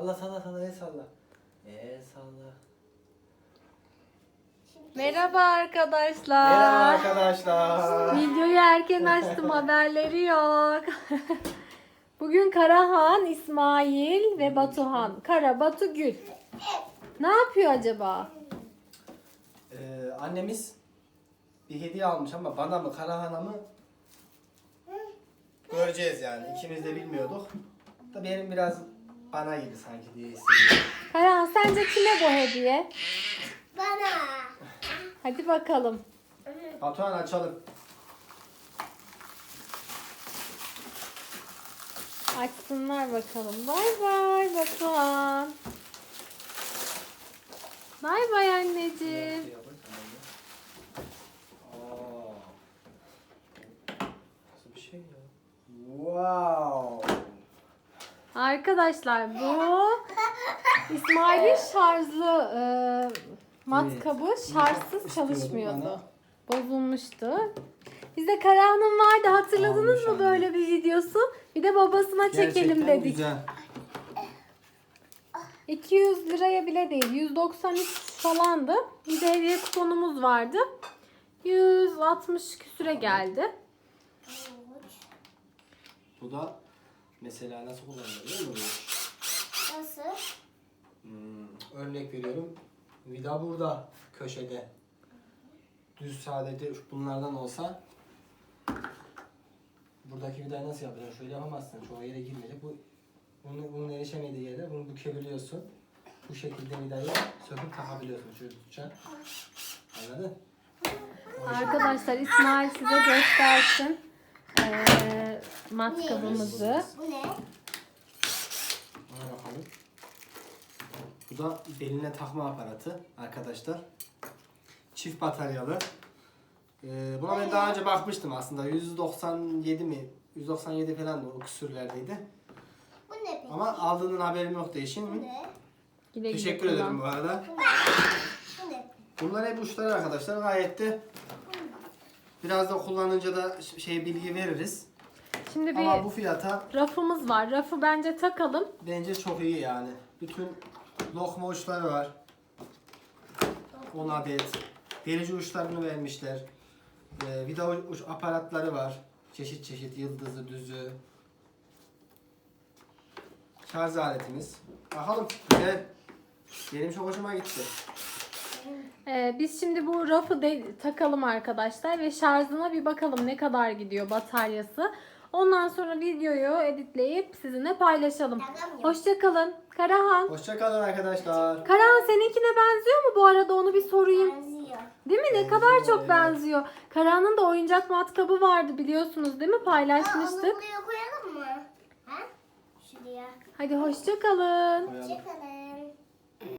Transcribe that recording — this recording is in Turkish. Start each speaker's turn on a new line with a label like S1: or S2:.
S1: Salla salla salla, el salla. El salla.
S2: Merhaba arkadaşlar.
S1: Merhaba arkadaşlar.
S2: Videoyu erken açtım, haberleri yok. Bugün Karahan, İsmail ve Batuhan. Kara, Batu, Gül. Ne yapıyor acaba?
S1: Annemiz bir hediye almış ama bana mı Karahan'a mı göreceğiz yani. İkimiz de bilmiyorduk. Da benim biraz bana gibi sanki diye hissediyorum.
S2: Karahan, sence kime bu hediye?
S3: Bana.
S2: Hadi bakalım.
S1: Batuhan açalım.
S2: Açsınlar bakalım. Bay bay Batuhan. Bay bay anneciğim.
S1: Aa. Nasıl bir şey ya? Wow.
S2: Arkadaşlar bu İsmail'in şarjlı matkabı şarjsız
S1: İstiyordum
S2: çalışmıyordu. Bozulmuştu. Bizde Karahan'ın vardı, hatırladınız
S1: Almış
S2: mı
S1: anne.
S2: böyle bir videosu? Bir de babasına çekelim
S1: Gerçekten
S2: dedik.
S1: güzel.
S2: 200 liraya bile değil, 193 falandı. Bir de hediye kuponumuz vardı. 160 küsüre geldi.
S1: Bu da mesela nasıl kullanılır biliyor musun?
S3: Nasıl?
S1: Örnek veriyorum. Vida burada köşede. Düz sadece bunlardan olsa buradaki vidayı nasıl yapacaksın? Şöyle yapamazsın. Çoğu yere girmeyecek. Bunun erişemediği yere bunu bükebiliyorsun. Bu şekilde vidayı söküp takabiliyorsun. Şöyle tutacaksın. Anladın?
S2: Arkadaşlar İsmail size göstersin matkabımızı.
S3: Bu ne?
S1: Buna bakalım. Bu da beline takma aparatı arkadaşlar. Çift bataryalı. Buna ben daha önce bakmıştım aslında. 197 mi? 197 falan da o küsürlerdeydi.
S3: Bu ne peki?
S1: Ama aldığının haberim yok
S3: Bu
S1: değişim.
S3: ne?
S2: Güle güle
S1: Teşekkür
S2: kullan.
S1: ederim bu arada.
S3: Bu ne?
S1: Bunlar hep uçları arkadaşlar. Gayet de biraz da kullanınca da bilgi veririz.
S2: Şimdi
S1: Ama
S2: bir
S1: bu fiyata
S2: rafımız var. Rafı bence takalım.
S1: bence çok iyi yani. Bütün lokma uçları var. 10 adet. Delici uçlarını vermişler. Vida uç aparatları var. Çeşit çeşit yıldızı, düzü. Şarj aletimiz. Bakalım güzel. Benim çok hoşuma gitti.
S2: Biz şimdi bu rafı takalım arkadaşlar ve şarjına bir bakalım ne kadar gidiyor bataryası. Ondan sonra videoyu editleyip sizinle paylaşalım.
S3: Tamam.
S2: Hoşça kalın. Karahan.
S1: Hoşça kalın arkadaşlar.
S2: Karahan seninkine benziyor mu bu arada, onu bir sorayım.
S3: Benziyor.
S2: Değil mi? Ne
S1: Benziyor,
S2: kadar çok
S1: evet.
S2: benziyor. Karahan'ın da oyuncak matkabı vardı biliyorsunuz değil mi?
S3: Onu
S2: Paylaşmıştık.
S3: buraya koyalım mı? Ha? Şuraya.
S2: Hadi hoşça kalın.
S1: Koyalım.
S3: Çıkalım.